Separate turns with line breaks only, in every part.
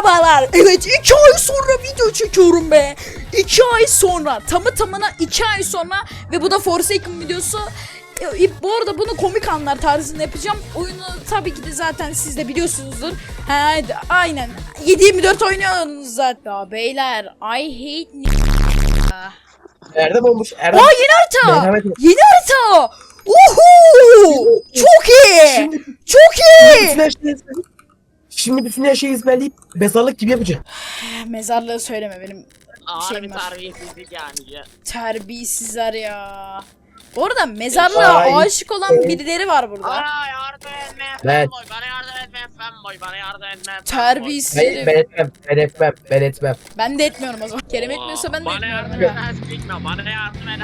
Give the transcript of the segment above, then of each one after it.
Merhabalar. Evet 2 ay sonra video çekiyorum be. 2 ay sonra. Tamına 2 ay sonra. Ve bu da Forsaken videosu. Bu arada bunu komik anlar tarzında yapacağım. Oyunu tabii ki de zaten siz de biliyorsunuzdur. Aynen. 7/24 oynuyorsunuz zaten. Ya beyler I hate
Erdem olmuş. Erdem.
Aa yeni harita.
Merhamet.
Yeni harita. Uhu. Çok iyi. Çok iyi.
Şimdi bütün her şeyi ezberleyip mezarlık gibi yapacağım.
Mezarlığı söyleme benim
Ağır bir
şeyim var.
terbiyesizlik yani ya.
Terbiyesizler ya. Bu arada mezarlığa
Ay.
aşık olan birileri var burada.
Bana yardım etme
Ben-
fanboy, bana yardım etme fanboy, bana yardım etme fanboy.
Terbiyesiz
Ben
herif.
etmem. Ben etmem. Ben etmem.
Ben de etmiyorum o zaman. Kerem etmiyorsa ben de
Bana yardım
etmiyorum.
eden sikme, bana yardım eden.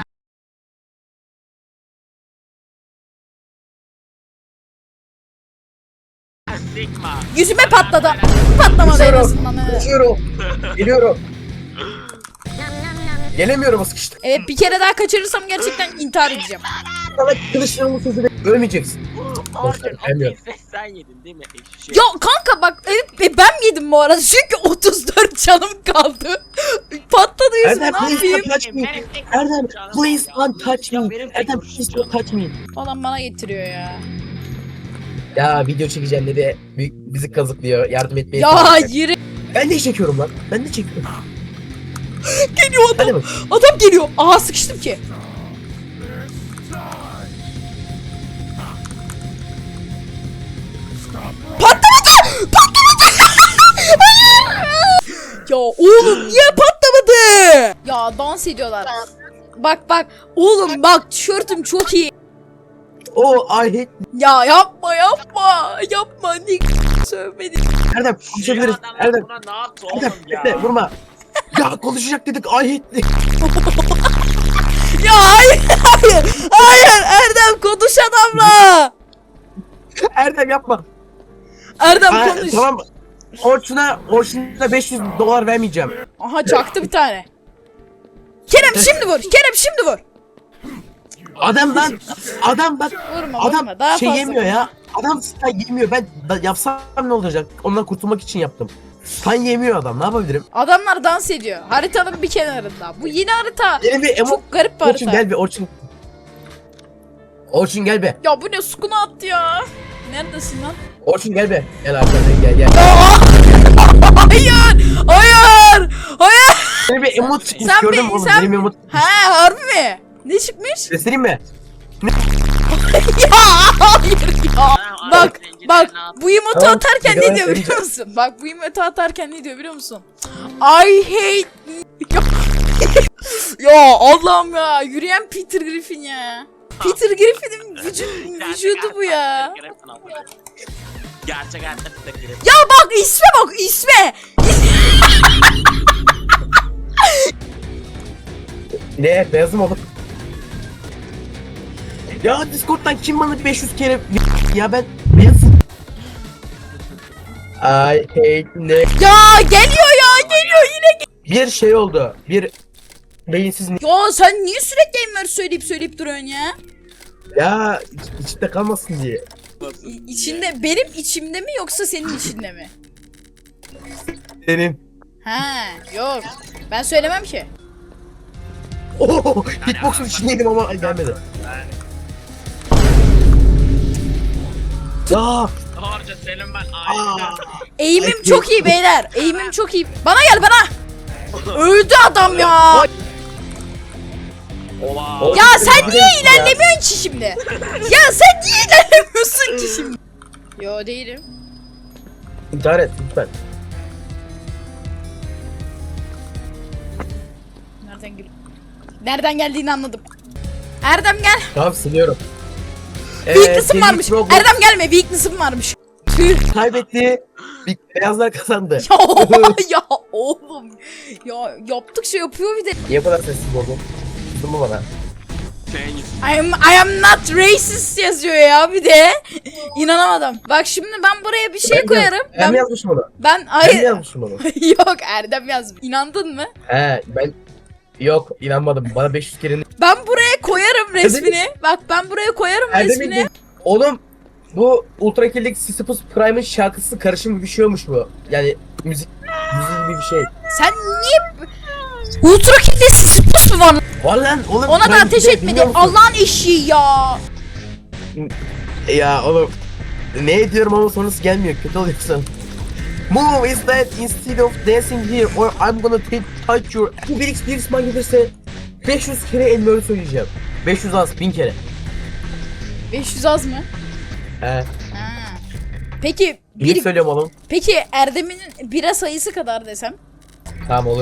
Sikme.
Yüzüme patladı. Patlamadı en
Koşuyorum.
azından. Evet.
Koşuyorum. Geliyorum. Gelemiyorum, sıkıştım.
Evet bir kere daha kaçırırsam gerçekten intihar edeceğim.
Sana kılıçlarımın sözü ölmeyeceksin.
Orçun, o
Bilmiyorum.
keyfi sen yedin değil mi? Eşek.
Ya kanka bak evet ben yedim bu arada çünkü 34 canım kaldı. Patladı yüzüme
Erdem
ne
please
yapayım?
don't touch me. Erdem please don't touch me. Erdem please don't touch me.
Falan bana getiriyor ya.
Ya video çekeceğim dedi. Bizi kazıklıyor. Yardım etmeye
Ya
çalışacak.
yürü.
Ben de çekiyorum lan. Ben de çekiyorum.
Geliyor
Hadi
adam.
bak.
Adam geliyor. Aha sıkıştım ki. Patlamadı! Patlamadı! Hayır! Ya oğlum niye patlamadı? Ya dans ediyorlar. Bak oğlum bak tişörtüm çok iyi.
Oh I hate.
Ya yapma ne sövmedin.
Erdem konuşabiliriz.
Adamlar
Erdem.
buna ne yaptı
Erdem
oğlum ya?
bekle vurma. Ya konuşacak dedik I hate.
Ya hayır Erdem konuş adamla.
Erdem yapma.
Erdem
Ha,
konuş.
tamam. Orçun'a $500 vermeyeceğim.
Aha çaktı bir tane. Kerem şimdi vur.
Adam bak.
Vurma
Adam
daha
şey
fazla.
yemiyor ya. Adam stun yemiyor. Ben yapsam ne olacak? Ondan kurtulmak için yaptım. Stun yemiyor adam. Ne yapabilirim?
Adamlar dans ediyor. Haritanın bir kenarında. Bu yeni harita.
Benim bir
Çok garip bir
Orçun
harita.
gel bir Orçun. Orçun gel be.
Ya bu ne sukuna attı ya. Neredesin lan?
Orçun gel be. Gel arkadan gel.
Hayır.
Benim bir emot çıkmış
Sen
gördün
bir-
mü oğlum?
sen-
Benim emot.
He harbi mi? Ne çıkmış?
Göstereyim mi?
Ya hayır ya. Bak
Bak ne yaptı?
bu emotu
Tamam,
atarken
bir
ne
daha
diyor biliyor
söyleyeceğim.
musun? Bak bu emotu atarken ne diyor biliyor musun? I hate ya Allah'ım ya yürüyen Peter Griffin ya. Peter Griffin'in vücudu bu ya.
Gerçek hayatta bir tek grip.
Ya bak isme.
Ne? Beyazım oğlum. Ya Discord'dan kim bana 500 kere ya ben beyazım. I hate ne?
Ya geliyor yine.
Bir şey oldu. Bir beyinsiz
Ya sen niye sürekli Enver söyleyip duruyorsun ya?
ya içinde kalmasın diye.
İçinde benim içimde mi yoksa senin içinde mi?
Senin.
Ha yok. Ben söylemem ki.
Oh, hitbox'un içindeydim ama gelmedi. Ya
Harca senin ben
aa,
Eğimim
Ay,
çok iyi beyler. Eğimim çok iyi. Bana gel bana. Öldü adam ya.
Ola.
Ya sen niye ilerlemiyorsun ki şimdi? Ya sen niye ilerlemiyorsun ki şimdi? Yo değilim.
İntihar et lütfen.
Nereden geldiğini anladım. Erdem gel.
Tamam siliyorum.
Weakness'ım
senin
varmış.
Roblox
Erdem gelme. Weakness'ım varmış. Tüh.
kaybetti. Beyazlar kazandı.
Ya oğlum. Ya yaptıkça yapıyor bir de.
Niye bu kadar sessiz oldun? Kızdın mı bana?
I am not racist yazıyor ya bir de. İnanamadım. Bak şimdi ben buraya bir şey koyarım.
Ben mi yazmışım onu?
Ben
Ben mi
hayır.
yazmışım onu?
Yok Erdem yazmış. İnandın mı?
He ben yok inanmadım. Bana 500 kere
Ben buraya koyarım resmini. Bak ben buraya koyarım resmini.
Oğlum bu Ultra Killik Sisyphus Prime'ın şarkısı karışım bir şeymiş bu. Yani müzik Yüzü gibi bir şey.
Sen niye... Ultra kilde spus mu var?
Var lan oğlum.
Ona da
Prime
ateş
Video,
etmedi.
bilmiyor musun?
Allah'ın eşiği ya.
Ya oğlum. Ne diyorum ama sonrası gelmiyor. Kötü oluyorsun. Move is that instead of dancing here or I'm gonna touch your... Bu 1x man gelirse 500 kere Enver'i söyleyeceğim. 500 az 1000 kere.
500 az mı?
He.
Ha. Peki
Bir söylüyorum oğlum.
peki Erdem'in bira sayısı kadar desem?
Tamam olur.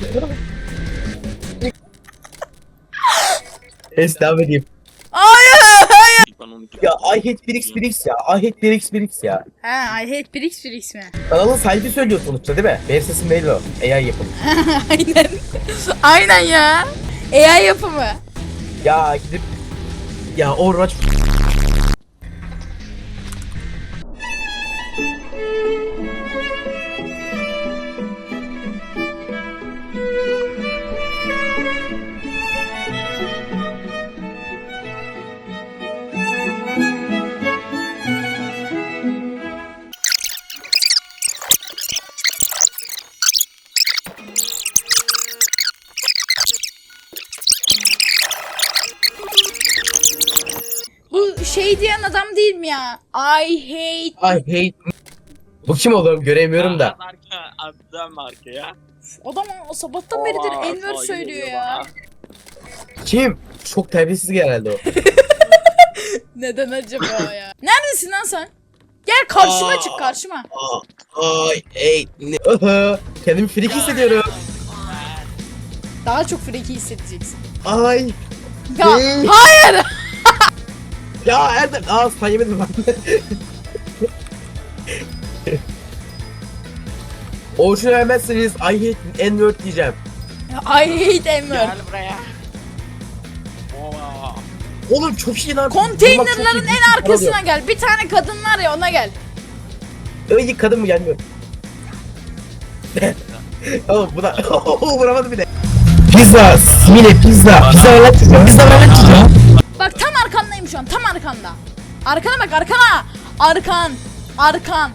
Es devam edeyim.
Hayır.
Ben onu
Ya I hate 1x ya. I hate 1x ya.
Ha, I hate Brix mi?
Kanalın sahibi söylüyor sonuçta değil mi? Benim sesim belli o. AI yapımı.
Aynen. Aynen ya. AI yapımı.
Ya gidip... Ya Overwatch...
Bu şey diyen adam değil mi ya? I hate...
I hate... Bu kim oğlum? Göremiyorum da.
Abdem marka ya.
Adam o sabahtan beridir Enver söylüyor ya.
Kim? Çok terbiyesiz herhalde o.
Neden acaba ya? Neredesin lan sen? Gel karşıma çık karşıma.
Ay, ey, ne? Kendimi freak hissediyorum.
Daha çok freki hissedeceksin.
Ay,
Ya
Hey.
hayır.
ya Erdem, sen yemedin lan. Ocean vermezseniz I hate N-word diyeceğim.
I hate Enver.
Gel buraya. Oo.
Oğlum çok iyi lan.
Konteynerların en arkasına gel. Bir tane kadın var ya ona gel.
Öyle kadın mı gelmiyor? Oğlum bu da vuramadı bir de. Pizza, simile pizza. Pizza ver lan çocuğa. Pizza ver lan çocuğa.
Bak tam arkandayım şu an. Tam arkanda. Arkana bak arkana. Arkan. Arkan.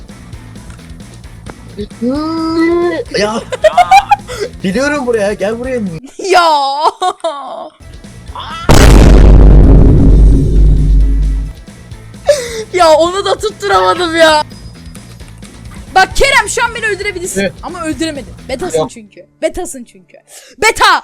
Ya. Biliyorum buraya. Gel buraya.
Ya. Ya onu da tutturamadım ya. Bak Kerem şu an beni öldürebilirsin.
Evet.
Ama öldüremedin. Betasın
Yok.
çünkü. Betasın çünkü. Beta.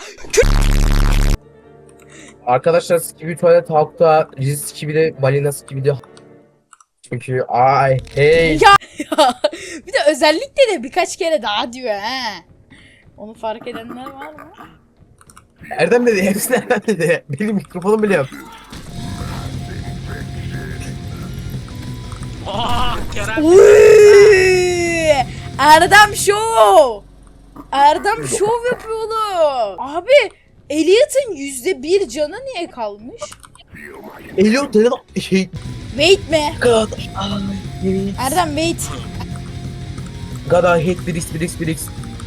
Arkadaşlar Skibi tuvalet halkta Riz Skibi de balina Skibi de çünkü ay hey
Ya. Bir de özellikle de birkaç kere daha diyor he. Onu fark edenler var mı?
Erdem dedi hepsini Erdem dedi. Benim mikrofonum bile yok.
Kerem.
Uy! Erdem Show. Erdem Show yapıyor oğlum. Abi Elliot'ın %1 canı niye kalmış?
Elliot dedi şey
Wait mi?
God
Erdem wait.
God I hate Brix.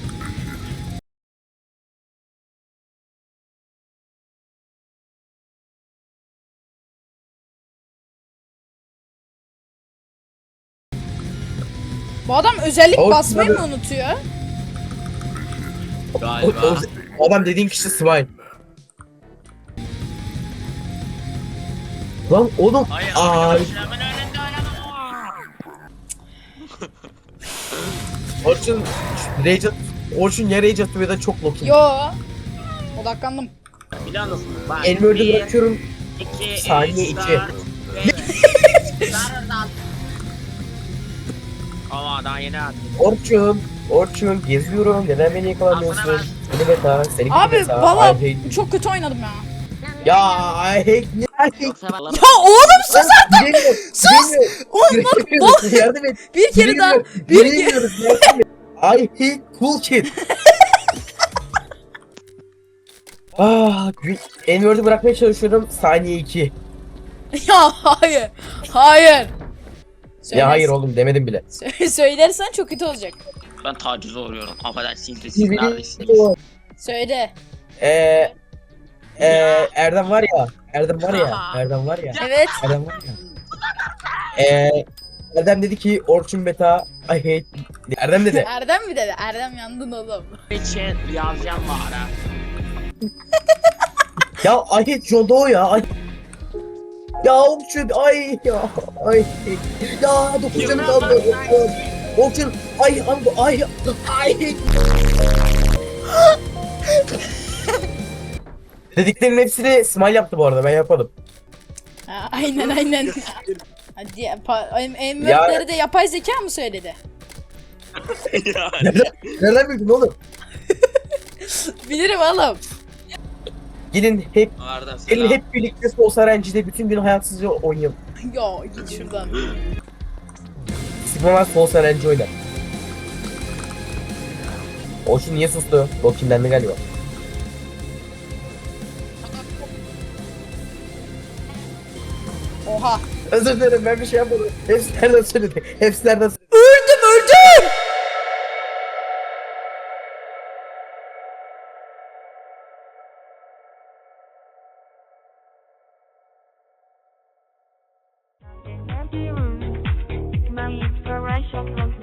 Bu adam özellik
O-
basmayı mı unutuyor?
Galiba.
O adam dediğin kişi Smile. Lan oğlum
Hayır.
ay
Hemen önünde oynama.
Orçun ya Rage atıyor ya da çok lokin.
Yo. Odaklandım.
Biliyor musun? Bak.
Elmörde bırakıyorum.
2,
Saniye 2.
Ama daha yeni attım.
Orçun geziyorum. Neden beni yakalamıyorsun? Seni beta, seni gibi
Abi
beta.
valla
I hate-
çok kötü oynadım ya.
Ya I hate
Yoksa ben
Ya oğlum sus artık.
Sus!
Oğlum bak
Yardım et.
bir kere daha. Bir kere.
I hate cool kid. N-word'u bırakmaya çalışıyorum. Saniye 2.
Ya hayır. Hayır.
Ya hayır oğlum demedim bile.
Söylersen çok kötü olacak.
Ben tacize uğruyorum. Affedersiniz de siz neredesiniz?
Söyle.
Erdem var ya. Erdem var ya.
Evet.
Erdem var ya. Erdem dedi ki Orçun beta I hate... Erdem dedi.
Erdem mi dedi? Erdem yandın oğlum.
için yazacağım bana.
Ya I hate John Doe ya. Ay. Ya Orçun ay ya. Ay. Ya 9 canım kaldı. Orçun ay. Dediklerin hepsini Smile yaptı bu arada, ben yapmadım.
Ha, aynen. Hadi Enver'leri de yapay zeka mı söyledi?
Nereden bildin oğlum?
Bilirim oğlum.
Gelin
Arda
gelin
selam.
hep birlikte Soul RNG'de bütün gün hayatsızca oynayalım.
Yo git şuradan.
Sigma var Soul RNG oynar. Orçun niye sustu? O kimlendi galiba.
Oha.
Özür dilerim, ben bir şey yapmadım. Hepsi nereden söyledi? Hepsi nereden söyledi?
Öldüm.
My inspiration flows